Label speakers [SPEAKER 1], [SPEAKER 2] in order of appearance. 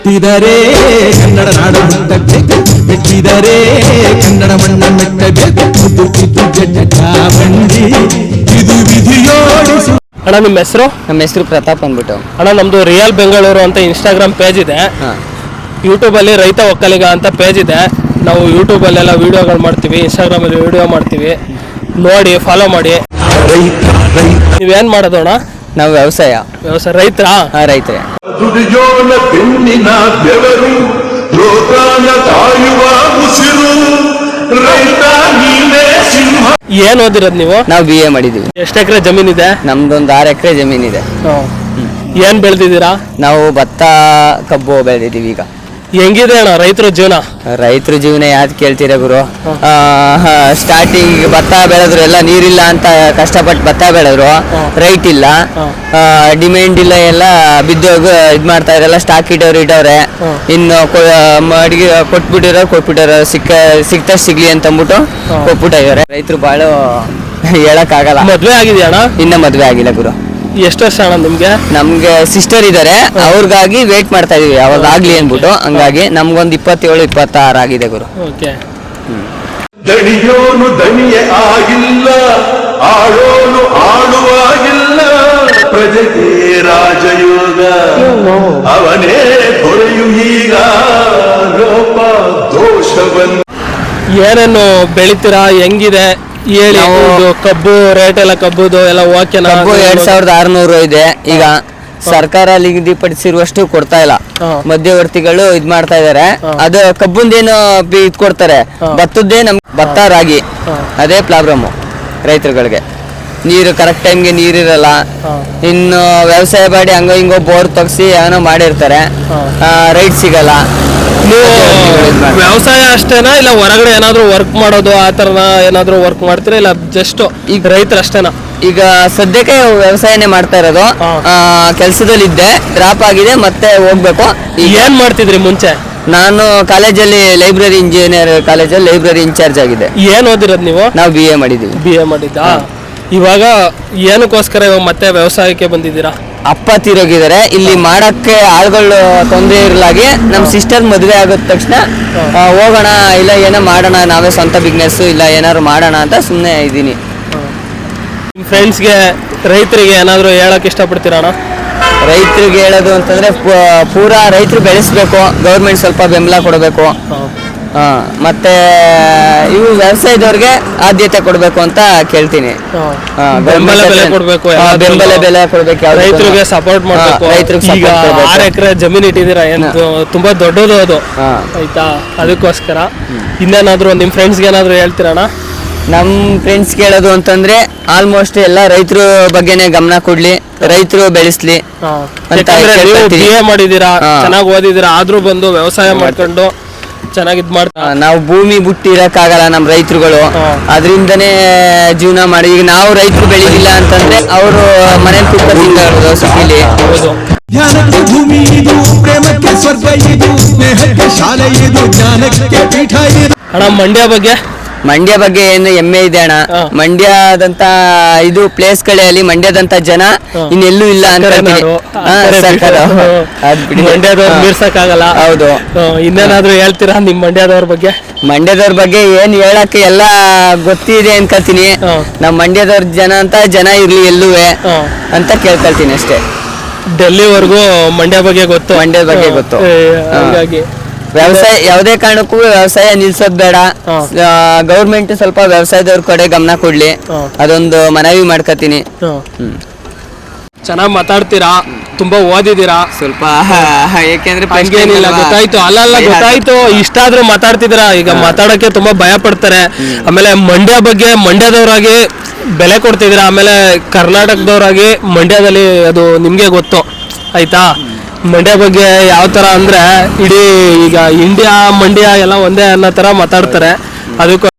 [SPEAKER 1] ಮೆಟ್ಟಿದರೆ ಕನ್ನಡ ನಾಡು ಮುಟ್ಟಬೇಕು, ಮೆಟ್ಟಿದರೆ ಕನ್ನಡ ಮಣ್ಣ ಮೆಟ್ಟಬೇಕು, ಬಂಡಿ ಇದು ವಿಧಿಯೋಡಿಸು.
[SPEAKER 2] ಅಣ್ಣ ನಿಮ್ಮ ಹೆಸರು?
[SPEAKER 3] ನಮ್ಮ ಹೆಸರು ಪ್ರತಾಪ್ ಅಂದ್ಬಿಟ್ಟು.
[SPEAKER 2] ಅಣ್ಣ ನಮ್ದು ರಿಯಲ್ ಬೆಂಗಳೂರು ಅಂತ ಇನ್ಸ್ಟಾಗ್ರಾಮ್ ಪೇಜ್ ಇದೆ, ಯೂಟ್ಯೂಬಲ್ಲಿ ರೈತ ಒಕ್ಕಲಿಗ ಅಂತ ಪೇಜ್ ಇದೆ. ನಾವು ಯೂಟ್ಯೂಬಲ್ಲೆಲ್ಲ ವೀಡಿಯೋಗಳು ಮಾಡ್ತೀವಿ, ಇನ್ಸ್ಟಾಗ್ರಾಮಲ್ಲಿ ವೀಡಿಯೋ ಮಾಡ್ತೀವಿ, ನೋಡಿ ಫಾಲೋ ಮಾಡಿ. ನೀವೇನು ಮಾಡೋದು ಅಣ್ಣ?
[SPEAKER 3] ನಾವು ವ್ಯವಸಾಯ
[SPEAKER 2] ರೈತರಾ?
[SPEAKER 3] ರೈತರೇ.
[SPEAKER 4] ದುಡಿಯೋಣ ಬೆನ್ನಿನ ಬೆವರು, ಲೋಕಾನ ಕಾಯುವ ಉಸಿರು, ರೈತ ನೀನೇ ಸಿಂಹ.
[SPEAKER 2] ಏನ್ ಓದಿರೋದು ನೀವು?
[SPEAKER 3] ನಾವು BA ಮಾಡಿದೀವಿ.
[SPEAKER 2] ಎಷ್ಟು ಎಕರೆ ಜಮೀನಿದೆ?
[SPEAKER 3] ನಮ್ದೊಂದು 6 ಎಕರೆ ಜಮೀನಿದೆ.
[SPEAKER 2] ಏನ್ ಬೆಳೆದಿದ್ದೀರಾ?
[SPEAKER 3] ನಾವು ಭತ್ತ ಕಬ್ಬು ಬೆಳೆದಿದ್ದೀವಿ. ಈಗ
[SPEAKER 2] ಹೆಂಗಿದೆ ಅಣ್ಣ ರೈತರ ಜೀವನ?
[SPEAKER 3] ರೈತರ ಜೀವನ ಯಾವ್ದು ಕೇಳ್ತೀರಾ ಗುರು? ಸ್ಟಾರ್ಟಿಂಗ್ ಭತ್ತ ಬೆಳೆದ್ರು, ಎಲ್ಲ ನೀರಿಲ್ಲ ಅಂತ ಕಷ್ಟಪಟ್ಟು ಭತ್ತ ಬೆಳೆದ್ರು, ರೈಟ್ ಇಲ್ಲ, ಡಿಮ್ಯಾಂಡ್ ಇಲ್ಲ, ಎಲ್ಲ ಬಿದ್ದೋಗಿ ಇದ್ ಮಾಡ್ತಾ ಇರಲ್ಲ, ಸ್ಟಾಕ್ ಇಟ್ಟವ್ರೆ. ಇನ್ನು ಅಡಿಗೆ ಕೊಟ್ಬಿಟ್ಟಿರೋ ಸಿಕ್ತ ಸಿಗ್ಲಿ ಅಂತ ಅಂದ್ಬಿಟ್ಟು ಕೊಟ್ಬಿಟ್ಟಿದ್ದಾರೆ. ರೈತರು ಬಾಳ ಹೇಳಕ್ ಆಗಲ್ಲ.
[SPEAKER 2] ಮದ್ವೆ ಆಗಿದೆಯಾ ಅಣ್ಣ?
[SPEAKER 3] ಇನ್ನ ಮದ್ವೆ ಆಗಿಲ್ಲ ಗುರು.
[SPEAKER 2] ಎಷ್ಟು ವರ್ಷ ಅಣ್ಣ ನಿಮ್ಗೆ?
[SPEAKER 3] ನಮ್ಗೆ ಸಿಸ್ಟರ್ ಇದಾರೆ, ಅವ್ರಿಗಾಗಿ ವೇಟ್ ಮಾಡ್ತಾ ಇದೀವಿ ಯಾವಾಗ ಆಗ್ಲಿ ಅನ್ಬಿಟ್ಟು. ಹಂಗಾಗಿ ನಮ್ಗೊಂದು 27-26 ಆಗಿದೆ ಗುರು.
[SPEAKER 4] ದಣಿಯೋನು ದಣಿಯೇ ಆಗಿಲ್ಲ, ಆಳೋನು ಆಳುವಾಗಿಲ್ಲ, ಪ್ರಜೆಗೆ ರಾಜಯೋಗ ಅವನೇ ಹೊರೆಯು ಈಗ ಲೋಪ ದೋಷವನ್ನು.
[SPEAKER 2] ಏನೇನು ಬೆಳಿತೀರಾ, ಹೆಂಗಿದೆ ಹೇಳಿ? ಕಬ್ಬು ರೇಟ್ ಎಲ್ಲ, ಕಬ್ಬುದು ಎಲ್ಲ ಓಕೆನಾ?
[SPEAKER 3] ಕಬ್ಬು 2600 ಇದೆ. ಈಗ ಸರ್ಕಾರ ನಿಗದಿಪಡಿಸಿರುವಷ್ಟು ಕೊಡ್ತಾ ಇಲ್ಲ, ಮಧ್ಯವರ್ತಿಗಳು ಇದ್ ಮಾಡ್ತಾ ಇದಾರೆ. ಅದು ಕಬ್ಬುಂದೇನು ಇದ್ ಕೊಡ್ತಾರೆ, ಭತ್ತದ್ದೇ ಭತ್ತ ರಾಗಿ ಅದೇ ಪ್ರಾಬ್ಲಮ್ ರೈತರುಗಳಿಗೆ. ನೀರು ಕರೆಕ್ಟ್ ಟೈಮ್ಗೆ ನೀರಿರಲ್ಲ. ಇನ್ನು ವ್ಯವಸಾಯ ಮಾಡಿ ಹಂಗೋ ಹಿಂಗೋ ಬೋರ್ ತಗ್ಸಿ ಏನೋ ಮಾಡಿರ್ತಾರೆ, ರೈಟ್ ಸಿಗಲ್ಲ.
[SPEAKER 2] ನೀವು ವ್ಯವಸಾಯ ಅಷ್ಟೇನಾ ಇಲ್ಲ ಹೊರಗಡೆ ಏನಾದ್ರು ವರ್ಕ್ ಮಾಡೋದು ಆ ತರನ ಏನಾದ್ರು ವರ್ಕ್ ಮಾಡ್ತೀರಾ, ಇಲ್ಲ ಜಸ್ಟ್ ಈಗ ರೈತರು ಅಷ್ಟೇನಾ?
[SPEAKER 3] ಈಗ ಸದ್ಯಕ್ಕೆ ವ್ಯವಸಾಯನೇ ಮಾಡ್ತಾ ಇರೋದು. ಕೆಲ್ಸದಲ್ಲಿ ಇದ್ದೆ, ಡ್ರಾಪ್ ಆಗಿದೆ, ಮತ್ತೆ ಹೋಗ್ಬೇಕು.
[SPEAKER 2] ಏನ್ ಮಾಡ್ತಿದ್ರಿ ಮುಂಚೆ?
[SPEAKER 3] ನಾನು ಕಾಲೇಜಲ್ಲಿ ಲೈಬ್ರರಿ ಇಂಜಿನಿಯರ್ ಕಾಲೇಜಲ್ಲಿ ಲೈಬ್ರರಿ ಇನ್ಚಾರ್ಜ್ ಆಗಿದೆ.
[SPEAKER 2] ಏನ್ ಓದಿರೋದು ನೀವು?
[SPEAKER 3] ನಾವು BA ಮಾಡಿದ್ದೀವಿ.
[SPEAKER 2] BA ಮಾಡಿದ್ದಾ? ಇವಾಗ ಏನಕ್ಕೋಸ್ಕರ ಇವಾಗ ಮತ್ತೆ ವ್ಯವಸಾಯಕ್ಕೆ ಬಂದಿದ್ದೀರಾ?
[SPEAKER 3] ಅಪ್ಪ ತೀರೋಗಿದ್ದಾರೆ, ಇಲ್ಲಿ ಮಾಡಕ್ಕೆ ಆಳುಗಳು ತೊಂದರೆ ಇರಲಾಗಿ ನಮ್ಮ ಸಿಸ್ಟರ್ ಮದುವೆ ಆಗಿದ ತಕ್ಷಣ ಹೋಗೋಣ, ಇಲ್ಲ ಏನೋ ಮಾಡೋಣ, ನಾವೇ ಸ್ವಂತ ಬಿಸ್ನೆಸ್ ಇಲ್ಲ ಏನಾದ್ರು ಮಾಡೋಣ ಅಂತ ಸುಮ್ಮನೆ ಇದ್ದೀನಿ.
[SPEAKER 2] ನಿಮ್ಮ ಫ್ರೆಂಡ್ಸ್ಗೆ ರೈತರಿಗೆ ಏನಾದರೂ ಹೇಳಕ್ ಇಷ್ಟಪಡ್ತೀರಾ ಅಣ್ಣ?
[SPEAKER 3] ರೈತರಿಗೆ ಹೇಳೋದು ಅಂತಂದ್ರೆ ಪೂರಾ ರೈತರು ಬೆಳೆಸ್ಬೇಕು, ಗೌರ್ಮೆಂಟ್ ಸ್ವಲ್ಪ ಬೆಂಬಲ ಕೊಡಬೇಕು, ಮತ್ತೆ ಇವು ವ್ಯವಸಾಯದವ್ರಿಗೆ ಆದ್ಯತೆ ಕೊಡಬೇಕು ಅಂತ ಕೇಳ್ತೀನಿ.
[SPEAKER 2] ಬೆಂಬಲ ಬೆಲೆ ಕೊಡಬೇಕು,
[SPEAKER 3] ರೈತರಿಗೆ
[SPEAKER 2] ಸಪೋರ್ಟ್ ಮಾಡಬೇಕು.
[SPEAKER 3] ರೈತರಿಗೆ
[SPEAKER 2] 6 ಎಕರೆ ಜಮೀನು ಇಟ್ಟಿದ್ದೀರಾ, ತುಂಬಾ ದೊಡ್ಡದು ಅದು, ಆಯ್ತಾ? ಅದಕ್ಕೋಸ್ಕರ ಇನ್ನೇನಾದ್ರು ನಿಮ್ಮ ಫ್ರೆಂಡ್ಸ್ಗೆ ಏನಾದ್ರು ಹೇಳ್ತೀರಣ್ಣ?
[SPEAKER 3] ನಮ್ಮ ಫ್ರೆಂಡ್ಸ್ ಕೇಳೋದು ಅಂತಂದ್ರೆ ಆಲ್ಮೋಸ್ಟ್ ಎಲ್ಲ ರೈತರ ಬಗ್ಗೆನೇ ಗಮನ ಕೊಡ್ಲಿ, ರೈತರು ಬೆಳೆಸ್ಲಿ ಅಂತ.
[SPEAKER 2] BA ಮಾಡಿದೀರಾ, ಚೆನ್ನಾಗಿ ಓದಿದೀರಾ, ಆದ್ರೂ ಬಂದು ವ್ಯವಸಾಯ ಮಾಡ್ಕೊಂಡು ಚೆನ್ನಾಗಿದ್ ಮಾಡ್ತಾ.
[SPEAKER 3] ನಾವು ಭೂಮಿ ಬಿಟ್ಟು ಇರಕ್ಕಾಗಲ್ಲ, ನಮ್ಮ ರೈತರುಗಳು ಅದರಿಂದನೇ ಜೀವನ ಮಾಡಿ. ಈಗ ನಾವು ರೈತರು ಬೆಳಿಲಿಲ್ಲ ಅಂತಂದ್ರೆ ಅವರು ಮನೇಲಿ ಕೂತ್ಕೊಂಡು ಸಿಟಿಲಿ.
[SPEAKER 1] ಜ್ಞಾನಕ್ಕೆ ಭೂಮಿ ಇದು, ಪ್ರೇಮಕ್ಕೆ ಸ್ವರ್ಗ ಇದು, ಸ್ನೇಹಕ್ಕೆ ಶಾಲೆ ಇದು, ಜ್ಞಾನಕ್ಕೆ ಪೀಠ ಇದು.
[SPEAKER 2] ಅಣ್ಣ ಮಂಡ್ಯ ಬಗ್ಗೆ
[SPEAKER 3] ಏನು ಹೆಮ್ಮೆ ಇದೆ ಅಣ್ಣ. ಮಂಡ್ಯದಂತ ಇದು ಪ್ಲೇಸ್ಗಳೇ ಅಲ್ಲಿ, ಮಂಡ್ಯದಂತ ಜನ ಇನ್ನೆಲ್ಲೂ ಇಲ್ಲ ಅಂತ
[SPEAKER 2] ಮೀರ್ಸಕ್ಕಾಗಲ್ಲ.
[SPEAKER 3] ಹೌದು.
[SPEAKER 2] ಇನ್ನೇನಾದ್ರೂ ಹೇಳ್ತೀರಾ ನಿಮ್ ಮಂಡ್ಯದವ್ರ ಬಗ್ಗೆ?
[SPEAKER 3] ಮಂಡ್ಯದವ್ರ ಬಗ್ಗೆ ಏನ್ ಹೇಳಕ್ಕೆ ಎಲ್ಲ ಗೊತ್ತಿದೆ ಅನ್ಕೋತೀನಿ. ನಮ್ ಮಂಡ್ಯದವ್ರ ಜನ ಅಂತ ಜನ ಇರ್ಲಿ ಎಲ್ಲುವೆ ಅಂತ ಕೇಳ್ಕೊಳ್ತೀನಿ ಅಷ್ಟೇ.
[SPEAKER 2] ಡೆಲ್ಲಿವರೆಗೂ ಮಂಡ್ಯ ಬಗ್ಗೆ ಗೊತ್ತು. ಹಾಗಾಗಿ
[SPEAKER 3] ವ್ಯವಸಾಯ ಯಾವುದೇ ಕಾರಣಕ್ಕೂ ವ್ಯವಸಾಯ ನಿಲ್ಸೋದ್ ಬೇಡ. ಗೌರ್ಮೆಂಟ್ ಸ್ವಲ್ಪ ವ್ಯವಸಾಯದವ್ರ ಕಡೆ ಗಮನ ಕೊಡ್ಲಿ, ಅದೊಂದು ಮನವಿ ಮಾಡ್ಕೊತೀನಿ.
[SPEAKER 2] ಚೆನ್ನಾಗಿ ಮಾತಾಡ್ತೀರಾ, ತುಂಬಾ ಓದಿದ್ದೀರಾ ಸ್ವಲ್ಪ,
[SPEAKER 3] ಯಾಕೆಂದ್ರೆ
[SPEAKER 2] ಗೊತ್ತಾಯ್ತು. ಅಲ್ಲ ಗೊತ್ತಾಯ್ತು, ಇಷ್ಟಾದ್ರೂ ಮಾತಾಡ್ತಿದ್ದೀರಾ. ಈಗ ಮಾತಾಡಕ್ಕೆ ತುಂಬಾ ಭಯ ಪಡ್ತಾರೆ. ಆಮೇಲೆ ಮಂಡ್ಯ ಬಗ್ಗೆ ಮಂಡ್ಯದವರಾಗಿ ಬೆಲೆ ಕೊಡ್ತಿದ್ದೀರಾ, ಆಮೇಲೆ ಕರ್ನಾಟಕದವರಾಗಿ ಮಂಡ್ಯದಲ್ಲಿ ಅದು ನಿಮ್ಗೆ ಗೊತ್ತು, ಆಯ್ತಾ? ಮಂಡ್ಯ ಬಗ್ಗೆ ಯಾವ ತರ ಅಂದ್ರೆ ಇಡೀ ಈಗ ಇಂಡಿಯಾ ಮಂಡ್ಯ ಎಲ್ಲ ಒಂದೇ ಅನ್ನೋ ತರ ಮಾತಾಡ್ತಾರೆ. ಅದಕ್ಕೂ